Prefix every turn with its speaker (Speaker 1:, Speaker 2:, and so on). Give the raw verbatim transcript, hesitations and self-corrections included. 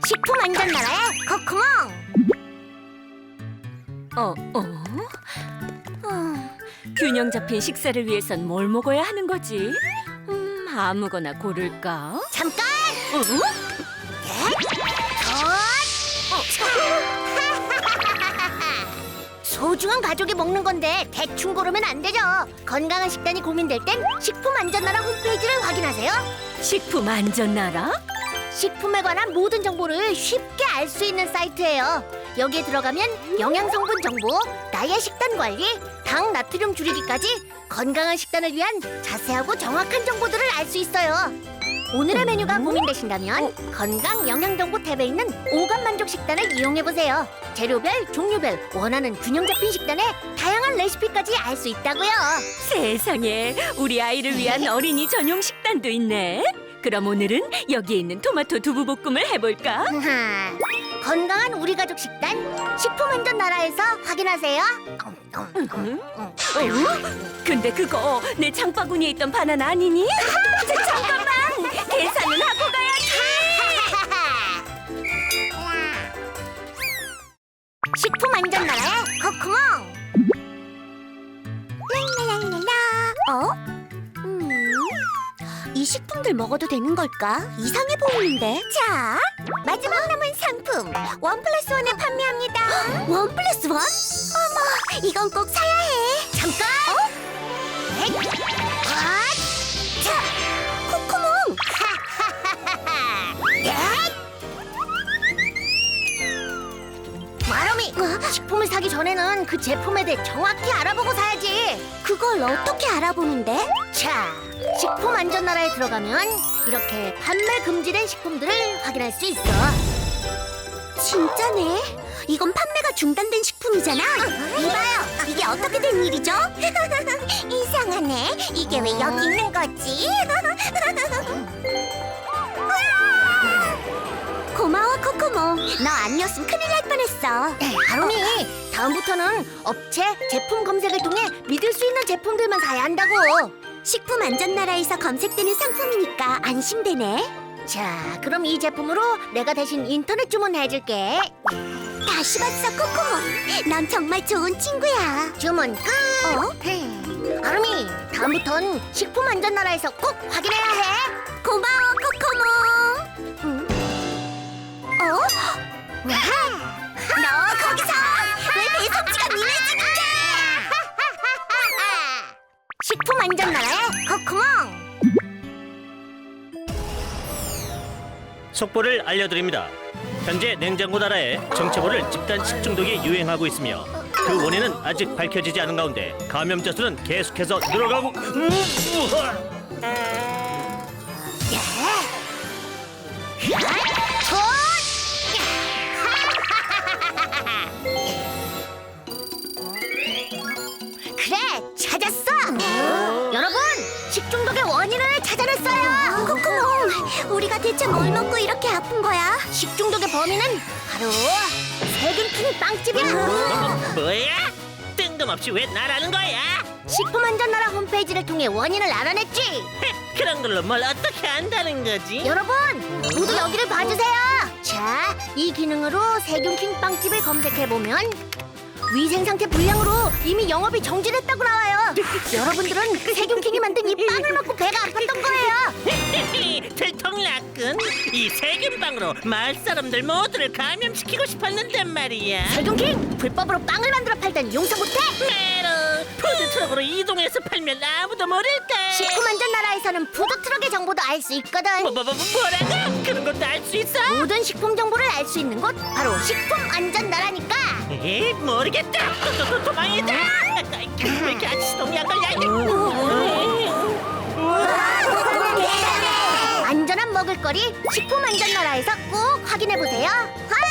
Speaker 1: 식품 안전 나라의 코코몽.
Speaker 2: 어, 어? 어, 균형 잡힌 식사를 위해선 뭘 먹어야 하는 거지? 음, 아무거나 고를까?
Speaker 1: 잠깐.
Speaker 2: 어?
Speaker 1: 소중한 가족이 먹는 건데 대충 고르면 안 되죠. 건강한 식단이 고민될 땐 식품 안전 나라 홈페이지를 확인하세요.
Speaker 2: 식품 안전 나라?
Speaker 1: 식품에 관한 모든 정보를 쉽게 알 수 있는 사이트예요. 여기에 들어가면 영양 성분 정보, 나의 식단 관리, 당 나트륨 줄이기까지 건강한 식단을 위한 자세하고 정확한 정보들을 알 수 있어요. 오늘의 메뉴가 고민되신다면 건강 영양 정보 탭에 있는 오감 만족 식단을 이용해 보세요. 재료별, 종류별 원하는 균형 잡힌 식단에 다양한 레시피까지 알 수 있다고요.
Speaker 2: 세상에, 우리 아이를 위한 어린이 전용 식단도 있네. 그럼 오늘은 여기에 있는 토마토 두부볶음을 해볼까?
Speaker 1: 건강한 우리 가족 식단 식품 안전 나라에서 확인하세요.
Speaker 2: 응? 어? 근데 그거 내 장바구니에 있던 바나나 아니니? 자, 잠깐만! 계산은 하고 가야지!
Speaker 1: 식품 안전 나라의 코코몽. 랄랄랄랄라. 어? 음, 이 식품들 먹어도 되는 걸까? 이상해 보이는데. 자, 마지막 남은 상품 원 플러스 원에 판매합니다. 원 플러스 원? 어머, 이건 꼭 사야 해. 잠깐. 어? 에잇. 아, 자, 코코몽. 에잇. 마름이, 식품을 사기 전에는 그 제품에 대해 정확히 알아보고 사야지. 그걸 어떻게 알아보는데? 자, 식품 안전 나라에 들어가면 이렇게 판매 금지된 식품들을 확인할 수 있어. 진짜네. 이건 판매가 중단된 식품이잖아. 이봐요, 이게 어떻게 된 일이죠? 이상하네. 이게 왜 여기 있는 거지? 고마워 코코몽. 너 아니었으면 큰일 날 뻔했어. 하루미, 다음부터는 업체 제품 검색을 통해 믿을 수 있는 제품들만 사야 한다고. 식품 안전 나라에서 검색되는 상품이니까 안심되네. 자, 그럼 이 제품으로 내가 대신 인터넷 주문해줄게. 다시 봤어 코코몽. 넌 정말 좋은 친구야. 주문 끝. 어? 하루미, 다음부턴 식품 안전 나라에서 꼭 확인해야 해. 고마워 코코몽. 응? 어? 너 거기서 왜 배송지가 니네 집인데? 식품 안전 나라의 코코몽.
Speaker 3: 속보를 알려드립니다. 현재 냉장고 나라에 정체모를 집단 식중독이 유행하고 있으며 그 원인은 아직 밝혀지지 않은 가운데 감염자 수는 계속해서 늘어가고 음, 우와.
Speaker 1: 그래, 찾았어. 여러분, 식중독의 원인을 찾아냈어요. 코코몽, 우리가 대체 뭘 먹고 이렇게 아픈 거야? 식중독의 범인은 바로 세균킹 빵집이야.
Speaker 3: 뭐야? 뜬금없이 왜 나라는 거야?
Speaker 1: 식품안전나라 홈페이지를 통해 원인을 알아냈지.
Speaker 3: 헤, 그런 걸로 뭘 어떻게 안다는 거지?
Speaker 1: 여러분, 모두 여기를 봐주세요. 자, 이 기능으로 세균킹 빵집을 검색해보면 위생상태 불량으로 이미 영업이 정지됐다고 나와요. 여러분들은 세균킹이 만든 이 빵을 먹고 배가 아팠던 거예요.
Speaker 3: 들통났군. 이 세균빵으로 마을 사람들 모두를 감염시키고 싶었는데 말이야.
Speaker 1: 세균킹, 불법으로 빵을 만들어 팔던 용서 못해.
Speaker 3: 메로 푸드트럭으로 이동해서 팔면 아무도 모를까.
Speaker 1: 식품안전나라에서는 푸드트럭의 정보도 알 수 있거든.
Speaker 3: 뭐, 뭐, 뭐, 뭐라고? 그런 것도 알 수 있어?
Speaker 1: 모든 식품 정보를 알 수 있는 곳 바로 식품안전나라니까.
Speaker 3: 에이, 모르겠다. 또, 또, 또, 도망이다. 왜 이렇게 아저씨 동이 안 걸려?
Speaker 1: 안전한 먹을거리 식품안전나라에서 꼭 확인해보세요.